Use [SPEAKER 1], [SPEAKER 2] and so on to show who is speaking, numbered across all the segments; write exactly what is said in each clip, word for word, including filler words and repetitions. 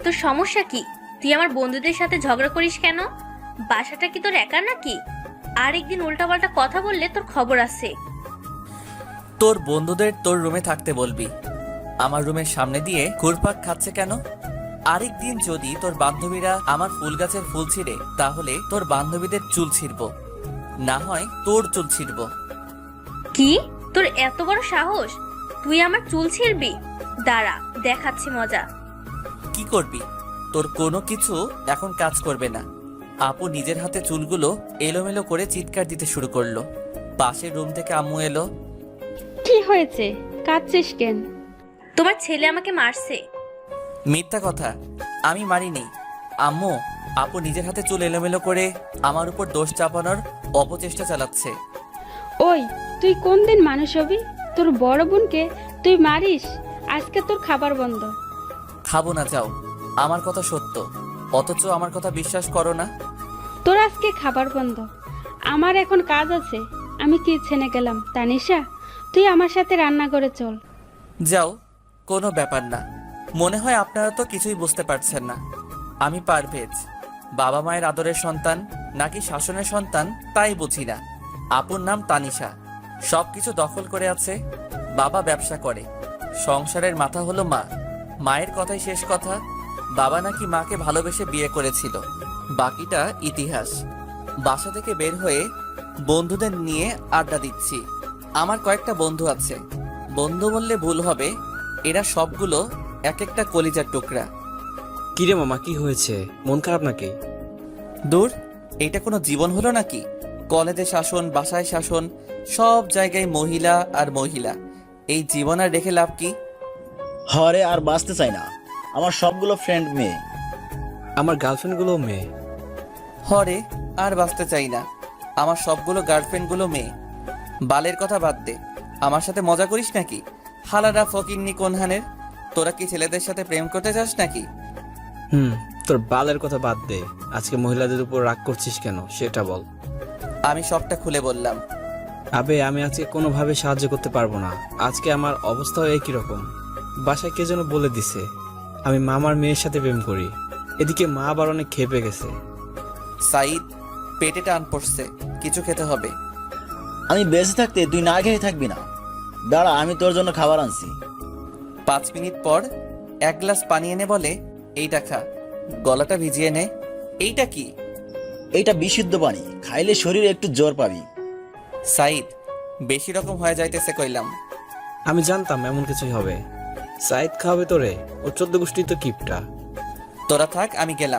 [SPEAKER 1] তোর সমস্যা কি? তুই আমার বন্ধুদের সাথে ঝগড়া করিস কেন? বাসাটা কি তোর একার নাকি? আর একদিন উল্টাপাল্টা কথা বললে তোর খবর আছে।
[SPEAKER 2] তোর বন্ধুদের তোর রুমে থাকতে বলবি। আমার রুমের সামনে দিয়ে ঘুরপাক খাচ্ছে কেন? আরেকদিন যদি তোর বান্ধবীরা আমার ফুল গাছের ফুল ছিঁড়ে, তাহলে তোর বান্ধবীদের চুল ছিঁড়ব, না হয় তোর চুল ছিঁড়ব।
[SPEAKER 1] কি? তোর এত বড় সাহস? তুই আমার চুল ছিঁড়বি? দাঁড়া, দেখাচ্ছি মজা।
[SPEAKER 2] কি করবি? তোর কোনো কিছু এখন কাজ করবে না। আপু নিজের হাতে চুলগুলো এলোমেলো করে চিৎকার দিতে শুরু করলো। পাশের রুম থেকে আম্মু এলো।
[SPEAKER 3] কি হয়েছে, কাঁদছিস কেন?
[SPEAKER 1] তোমার ছেলে আমাকে মারছে।
[SPEAKER 2] মিথ্যা কথা, আমি মারিনি। আম্মু, আপু নিজের হাতে চুল এলোমেলো করে আমার উপর দোষ চাপানোর অপচেষ্টা চালাচ্ছে।
[SPEAKER 3] ওই, তুই কোন দিন মানুষ হবি? তোর বড় বোনকে তুই মারিস? আজকে তোর খাবার বন্ধ।
[SPEAKER 2] খাবো না, যাও। আমার কথা সত্য, অথচ আমার কথা বিশ্বাস করো না।
[SPEAKER 3] তোর আজকে খাবার বন্ধ। আমার এখন কাজ আছে, আমি কিচেনে গেলাম। তানিশা, তুই আমার সাথে রান্না করে চল।
[SPEAKER 2] যাও, কোনো ব্যাপার না। মনে হয় আপনারা তো কিছুই বুঝতে পারছেন না। আমি পারভেজ, বাবা মায়ের আদরের সন্তান নাকি শাসনের সন্তান তাই বুঝি না। আপুর নাম তানিশা, সব কিছু দখল করে আছে। বাবা ব্যবসা করে, সংসারের মাথা হলো মা। মায়ের কথাই শেষ কথা। বাবা নাকি মাকে ভালোবেসে বিয়ে করেছিল, বাকিটা ইতিহাস। বাসা থেকে বের হয়ে বন্ধুদের নিয়ে আড্ডা দিচ্ছি। আমার কয়েকটা বন্ধু আছে, বন্ধু বললে ভুল হবে, এরা সবগুলো এক একটা কলিজার টুকরা।
[SPEAKER 4] কিরে মামা, কি হয়েছে? মন খারাপ নাকি?
[SPEAKER 2] দূর, এটা কোনো জীবন হলো নাকি? কলেজে শাসন, বাসায় শাসন, সব জায়গায় মহিলা আর মহিলা। এই জীবন আর রেখে লাভ কি?
[SPEAKER 5] হরে আর বাঁচতে চাই না, আমার সবগুলো ফ্রেন্ড মেয়ে।
[SPEAKER 4] আমার গার্লফ্রেন্ডগুলো মেয়ে।
[SPEAKER 2] হরে আর বাঁচতে চাই না, আমার সবগুলো গার্লফ্রেন্ডগুলো মেয়ে। বালের কথা বাদ দে, আমার সাথে মজা করিস নাকি? হালারা ফকিন্নি কোনহানের, তোরা কি ছেলেদের সাথে প্রেম করতে চাস নাকি?
[SPEAKER 4] হুম, তোর বালের কথা বাদ দে। আজকে মহিলাদের উপর রাগ করছিস কেন সেটা বল।
[SPEAKER 2] আমি সবটা খুলে বললাম।
[SPEAKER 4] আবে, আমি আজকে কোনোভাবে সাহায্য করতে পারবো না। আজকে আমার অবস্থাও একই রকম। বাসায় কে যেন বলে দিছে আমি মামার মেয়ের সাথে প্রেম করি। এদিকে মা আবার অনেক খেপে গেছে।
[SPEAKER 2] সাইদ, পেটে টান পড়ছে, কিছু খেতে হবে।
[SPEAKER 5] আমি বেঁচে থাকতে তুই না খেয়ে থাকবি না। দাঁড়া, আমি তোর জন্য খাবার আনছি।
[SPEAKER 2] পাঁচ মিনিট পর এক গ্লাস পানি এনে বলে, এইটা খা, গলাটা ভিজিয়ে নে। এইটা কি?
[SPEAKER 5] এইটা বিশুদ্ধ পানি, খাইলে শরীরে একটু জোর পাবি।
[SPEAKER 2] সাইদ, বেশি রকম হয়ে যাইতেছে কইলাম।
[SPEAKER 4] আমি জানতাম এমন কিছুই হবে। সাইদ খাওয়াবে তোরে? ও চোদ্দ গোষ্ঠী তো কিপটা।
[SPEAKER 2] তোরা থাক, আমি গেলাম।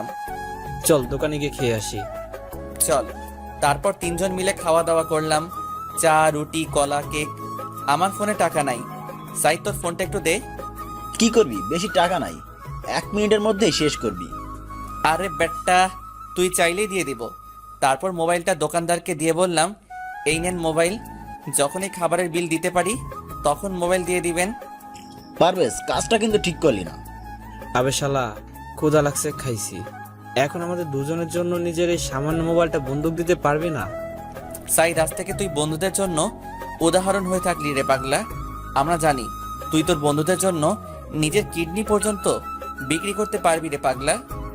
[SPEAKER 4] চল দোকানে গিয়ে খেয়ে আসি।
[SPEAKER 2] চল। তারপর তিনজন মিলে খাওয়া দাওয়া করলাম, চা, রুটি, কলা, কেক। আমার ফোনে টাকা নাই। সাইদ, তোর ফোনটা একটু দে।
[SPEAKER 5] কি করবি? বেশি টাকা নাই, এক মিনিটের মধ্যেই শেষ করবি।
[SPEAKER 2] আরে বেটা, তুই চাইলেই দিয়ে দিব। তারপর মোবাইলটা দোকানদারকে দিয়ে বললাম, এই নেন মোবাইল, যখনই খাবারের বিল দিতে পারি তখন মোবাইল দিয়ে দিবেন।
[SPEAKER 5] পারবেশ, কাজটা কিন্তু ঠিক করলি না।
[SPEAKER 4] আবে শালা, ক্ষুধা লাগছে, খাইছি। এখন আমাদের দুজনের জন্য নিজের এই সামান্য মোবাইলটা বন্দুক দিতে পারবি না?
[SPEAKER 2] সাইদ, আজ থেকে তুই বন্ধুদের জন্য উদাহরণ হয়ে থাকলি রে পাগলা। আমরা জানি তুই তোর বন্ধুদের জন্য নিজের কিডনি পর্যন্ত বিক্রি করতে পারবি রে পাগলা।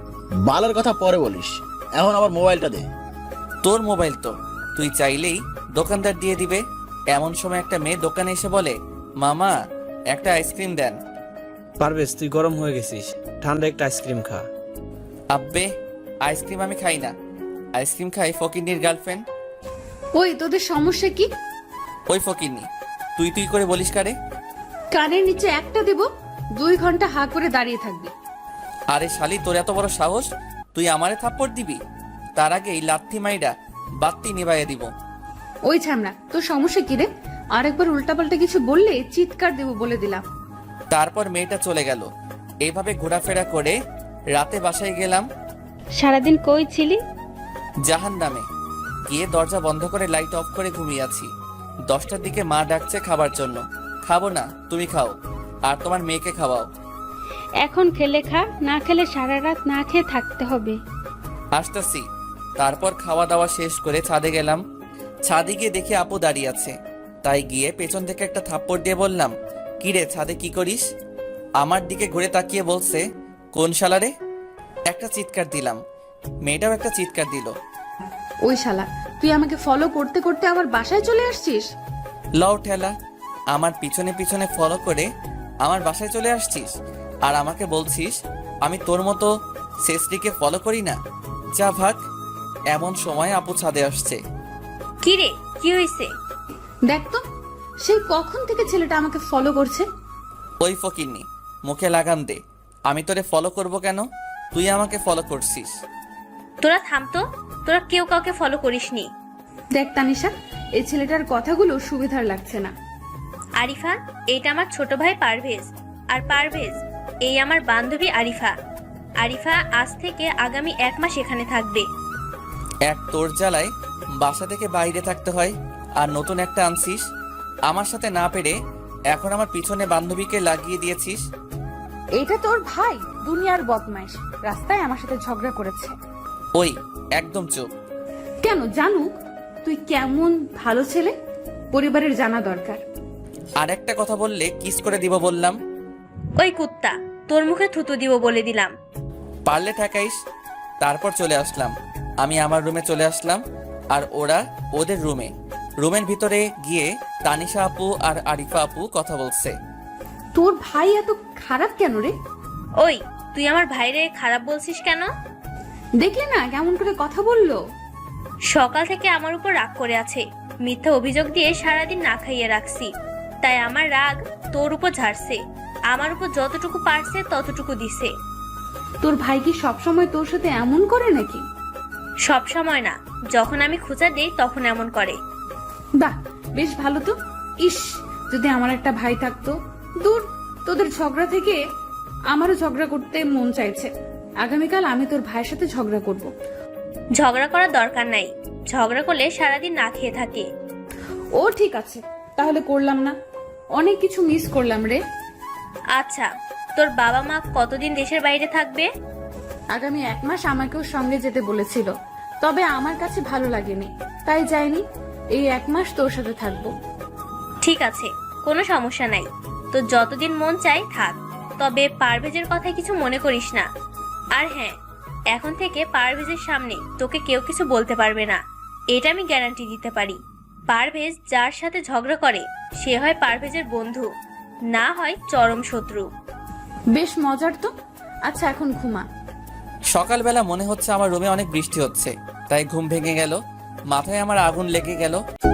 [SPEAKER 5] বালের কথা পরে বলিস, এখন আমার মোবাইলটা দে।
[SPEAKER 2] তোর মোবাইল তো তুই চাইলেই দোকানদার দিয়ে দিবে। এমন সময় একটা মেয়ে দোকানে এসে বলে, মামা একটা আইসক্রিম দেন।
[SPEAKER 4] পারবেশ, তুই গরম হয়ে গেছিস, ঠান্ডা একটা আইসক্রিম খা।
[SPEAKER 2] আব্বে, আইসক্রিম আমি খাই না, আইসক্রিম খাই ফকিন্নির গার্লফ্রেন্ড।
[SPEAKER 6] ওই, তোদের সমস্যা কি?
[SPEAKER 2] ওই ফকিন্নি, তুই তুই করে বলিস কারে?
[SPEAKER 6] কানের নিচে একটা দেব, দুই ঘন্টা হা করে দাঁড়িয়ে থাকবি।
[SPEAKER 2] আরে শালি, তোর এত বড় সাহস, তুই আমারে থাপ্পড় দিবি? তার আগেই লাথি মাইরা বাত্তি নিভাইয়া দিব।
[SPEAKER 6] ওই ছামড়া, তোর সমস্যা কি রে? আরেকবার উল্টাপাল্টা কিছু বললে চিৎকার দেব বলে দিলাম।
[SPEAKER 2] তারপর মেয়েটা চলে গেল। এইভাবে ঘোরাফেরা করে রাতে বাসায় গেলাম।
[SPEAKER 3] সারাদিন কই ছিলি?
[SPEAKER 2] জাহান নামে গিয়ে দরজা বন্ধ করে লাইট অফ করে ঘুমিয়ে আছি। দশটার দিকে মা ডাকছে খাবার জন্য। খাবো না, তুমি খাও, আর তোমার মেয়েকে খাওয়াও।
[SPEAKER 3] এখন খেলে খা, না খেলে সারা রাত না খেয়ে থাকতে হবে।
[SPEAKER 2] আসতেছি। তারপর খাওয়া দাওয়া শেষ করে ছাদে গেলাম। ছাদে গিয়ে দেখি আপু দাঁড়িয়ে আছে, তাই গিয়ে পেছন থেকে একটা থাপ্পড় দিয়ে বললাম, কিরে ছাদে কি করিস? আমার দিকে ঘুরে তাকিয়ে বলছে, কোন শালারে? একটা চিৎকার দিলাম, মেয়েটাও একটা চিৎকার দিল।
[SPEAKER 6] ওই শালা, তুই আমাকে ফলো করতে করতে আবার বাসায় চলে আসছিস?
[SPEAKER 2] লও ঠেলা, আমার পিছনে পিছনে ফলো করে আমার বাসায় চলে আসছিস আর আমাকে বলছিস আমি তোর মতো শেষটিকে ফলো করি না। যা ভাগ। এমন সময় আপু ছাদে আসছে।
[SPEAKER 1] কি রে, কি হয়েছে?
[SPEAKER 6] দেখ তো, সেই কখন থেকে ছেলেটা আমাকে ফলো করছে।
[SPEAKER 2] ওই ফকিন্নি, মুখে লাগাম দে। আমি তোরে ফলো করব কেন? তুই আমাকে ফলো করছিস।
[SPEAKER 1] তোরা থাম তো, তোরা কেউ কাউকে ফলো করিসনি।
[SPEAKER 6] দেখ তানিশা, এই ছেলেটার কথাগুলো সুবিধার লাগছে না।
[SPEAKER 1] আরিফা, এইটা আমার ছোট ভাই পারভেজ। আর পারভেজ, এই আমার বান্ধবী আরিফা। আরিফা আজ থেকে আগামী এক মাস এখানে থাকবে।
[SPEAKER 2] এক তোর জ্বালায় বাসা থেকে বাইরে থাকতে হয়, আর নতুন একটা আনছিস। আমার সাথে না পেরে এখন আমার পিছনে বান্ধবীকে লাগিয়ে দিয়েছিস।
[SPEAKER 6] এইটা তোর ভাই দুনিয়ার বদমাইশ, রাস্তায় আমার সাথে ঝগড়া করেছে।
[SPEAKER 2] ওই একদম চুপ।
[SPEAKER 6] কেন? জানুক তুই কেমন ভালো ছেলে, পরিবারের জানা দরকার।
[SPEAKER 2] আর একটা কথা বললে কিস করে দিব বললাম।
[SPEAKER 1] ওই কুত্তা, তোর মুখে থুতু দিব বলে দিলাম।
[SPEAKER 2] পারলে ঠেকাইস। তারপর চলে আসলাম, আমি আমার রুমে চলে আসলাম আর ওরা ওদের রুমে। রুমের ভিতরে গিয়ে তানিশা আপু আর আরিফা আপু কথা বলছে।
[SPEAKER 6] তোর ভাই এত খারাপ কেন রে?
[SPEAKER 1] ওই, তুই আমার ভাইরে খারাপ বলছিস কেন?
[SPEAKER 6] দেখলে না কেমন করে কথা বললো।
[SPEAKER 1] সকাল থেকে আমার উপর রাগ করে আছে। মিথ্যা অভিযোগ দিয়ে সারাদিন না খাইয়ে রাখছি, তাই আমার রাগ তোর উপর ঝাড়ছে। আমার উপর যতটুকু পারছে ততটুকু দিছে।
[SPEAKER 6] তোর ভাই কি সবসময় তোর সাথে এমন করে নাকি?
[SPEAKER 1] সব সময় না, যখন আমি খোঁচা দেই তখন এমন করে।
[SPEAKER 6] বাহ, বেশ ভালো তো। ইস, যদি আমার একটা ভাই থাকতো। দূর, তোদের ঝগড়া থেকে আমারও ঝগড়া করতে মন চাইছে। আগামীকাল আমি তোর ভাইয়ের সাথে ঝগড়া করব।
[SPEAKER 1] ঝগড়া করার দরকার নাই, ঝগড়া করলে সারাদিন না খেয়ে থাকে।
[SPEAKER 6] ও ঠিক আছে, তাহলে করলাম না। অনেক কিছু মিস করলাম রে।
[SPEAKER 1] আচ্ছা, তোর বাবা মা কতদিন দেশের বাইরে থাকবে?
[SPEAKER 6] আগামী এক মাস আমাকেও সঙ্গে যেতে বলেছিল, তবে আমার কাছে ভালো লাগেনি, তাই যাইনি। এই এক মাস তোর সাথে থাকবো।
[SPEAKER 1] ঠিক আছে, কোনো সমস্যা নাই। তো যতদিন মন চাই থাক, তবে পারভেজের কথায় কিছু মনে করিস না। আর হ্যাঁ, এখন থেকে পারভেজের সামনে তোকে কেউ কিছু বলতে পারবে না, এটা আমি গ্যারান্টি দিতে পারি। পারভেজ যার সাথে ঝগড়া করে সে হয় পারভেজের বন্ধু, না হয় চরম শত্রু।
[SPEAKER 6] বেশ মজার তো। আচ্ছা, এখন ঘুমা।
[SPEAKER 2] সকালবেলা মনে হচ্ছে আমার রুমে অনেক বৃষ্টি হচ্ছে, তাই ঘুম ভেঙে গেল। মাথায় আমার আগুন লেগে গেল।